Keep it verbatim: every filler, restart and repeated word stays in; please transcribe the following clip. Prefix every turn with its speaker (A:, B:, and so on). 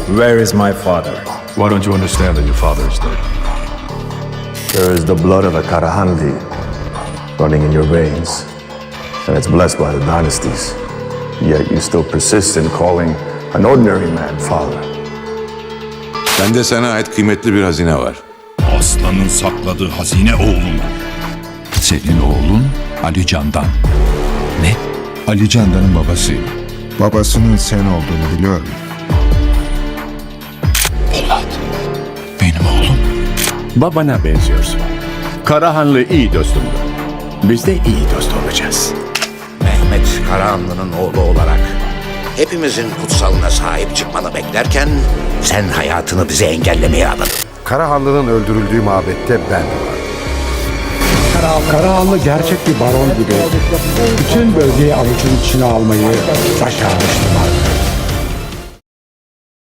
A: Where is my father?
B: Why don't you understand that your father is dead?
C: There is the blood of a Karahanli running in your veins, and it's blessed by the dynasties. Yet you still persist in calling an ordinary man father.
D: Bende sana ait kıymetli bir hazine var.
E: Aslanın sakladığı hazine oğlum.
F: Senin oğlun Ali Candan.
E: Ne?
F: Ali Candan'ın babasıyım.
G: Babasının sen olduğunu biliyorum.
E: Polat. Benim oğlum.
B: Babana benziyorsun. Karahanlı iyi dostumdu. Biz de iyi dost olacağız.
H: Mehmet Karahanlı'nın oğlu olarak hepimizin kutsalına sahip çıkmanı beklerken sen hayatını bize engellemeye adadın.
I: Karahanlı'nın öldürüldüğü mabette ben de vardım.
J: Karahanlı gerçek bir baron gibi bütün bölgeyi avucun içine almayı başarmıştılar.